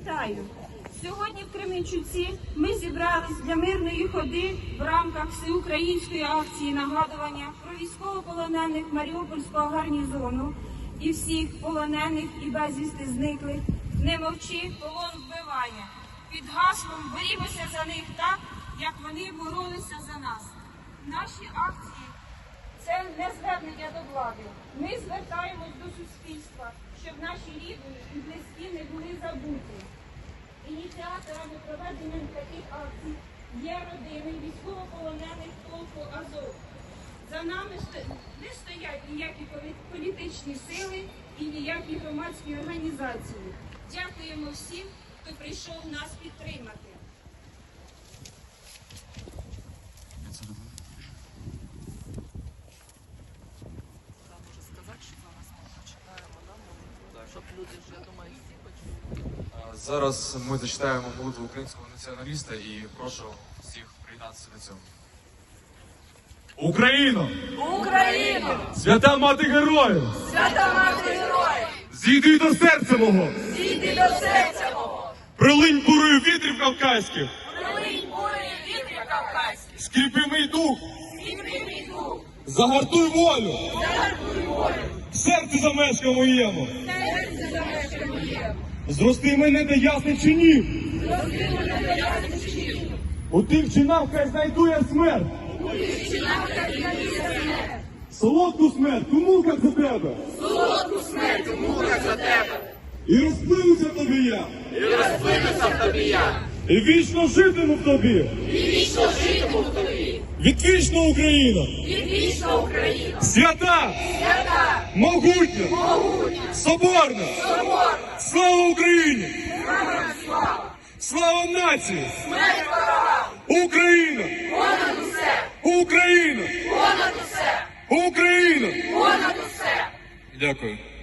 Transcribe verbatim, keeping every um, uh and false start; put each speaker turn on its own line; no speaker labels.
Вітаю! Сьогодні в Кременчуці ми зібрались для мирної ходи в рамках всеукраїнської акції нагадування про військовополонених Маріупольського гарнізону і всіх полонених і безвісти зниклих. Не мовчи, полон вбиває. Під гаслом борімося за них так, як вони боролися за нас. Наші акції – це не звернення до влади. Ми звертаємось до суспільства, щоб наші рідні і близькі не були забуті. Ініціаторами проведення таких акцій є родини військовополонених полку Азов. За нами не стоять ніякі політичні сили і ніякі громадські організації. Дякуємо всім, хто прийшов нас підтримати.
Зараз ми зачитаємо молитву українського націоналіста і прошу всіх приєднатися до цього.
Україно!
Україно!
Свята мати героїв!
Свята мати героїв!
Зійди до серця мого!
Зійди до серця мого!
Прилинь бурою вітрів кавказьких!
Прилинь бурею вітрів кавказьких!
Скріпи мій дух!
Скріпи мій дух!
Загартуй волю!
Загартуй волю!
В серці замешка моєму!
Серце замешка моєму!
Зрости мене до ясних чинів!
Зрости мене до ясних чинів!
У тих чинах хай знайду я смерть!
У тих чинах хай знайду я смерть!
Солодку смерть у муках за тебе!
Солодку смерть у муках за тебе!
І розплинуся в тобі я!
І розплинуся в тобі я!
І вічно житиму в тобі!
І вічно житиму в тобі!
Відвічна Україна!
Відвічна Україна!
Свята!
Свята!
Могутня!
Могутня!
Соборна!
Соборна!
Слава Україні!
Слава! Слава!
Слава нації!
Смерть ворогам!
Україна!
Понад усе!
Україна!
Понад усе!
Україна!
Понад усе!
Дякую.